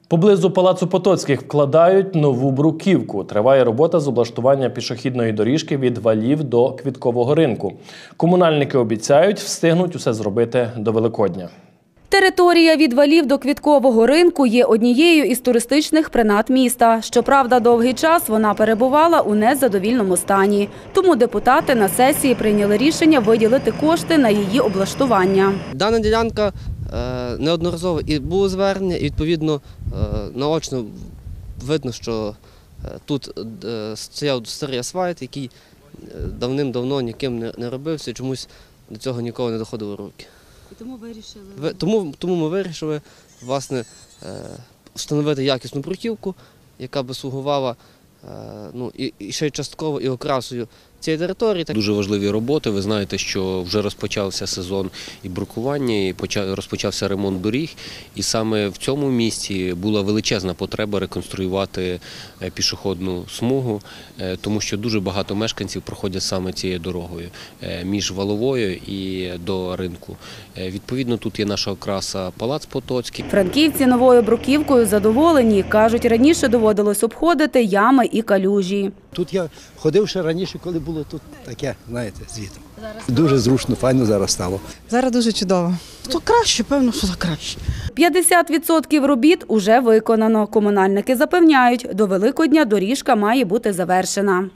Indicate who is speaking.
Speaker 1: Поблизу Палацу Потоцьких вкладають нову бруківку. Триває робота з облаштування пішохідної доріжки від Валів до Квіткового ринку. Комунальники обіцяють, встигнуть усе зробити до Великодня.
Speaker 2: Територія від Валів до Квіткового ринку є однією із туристичних принад міста. Щоправда, довгий час вона перебувала у незадовільному стані. Тому депутати на сесії прийняли рішення виділити кошти на її облаштування.
Speaker 3: Дана ділянка неодноразово і було звернення, і відповідно наочно видно, що тут стояв старий асфальт, який давним-давно ніким не робився, чомусь до цього ніколи не доходило руки.
Speaker 2: І тому вирішили?
Speaker 3: Тому ми вирішили, власне, встановити якісну бруківку, яка би слугувала і ще й частково і окрасою цієї території.
Speaker 4: Дуже важливі роботи. Ви знаєте, що вже розпочався сезон і брукування, і розпочався ремонт доріг. І саме в цьому місці була величезна потреба реконструювати пішохідну смугу, тому що дуже багато мешканців проходять саме цією дорогою між Валовою і до ринку. Відповідно, тут є наша окраса Палац Потоцький.
Speaker 2: Франківці новою бруківкою задоволені. Кажуть, раніше доводилось обходити ями і калюжі.
Speaker 5: Тут я ходив ще раніше, коли було тут таке, знаєте, звітом. Дуже зручно, файно зараз стало.
Speaker 6: Зараз дуже чудово. То краще, певно, що краще.
Speaker 2: 50% робіт уже виконано. Комунальники запевняють, до Великодня доріжка має бути завершена.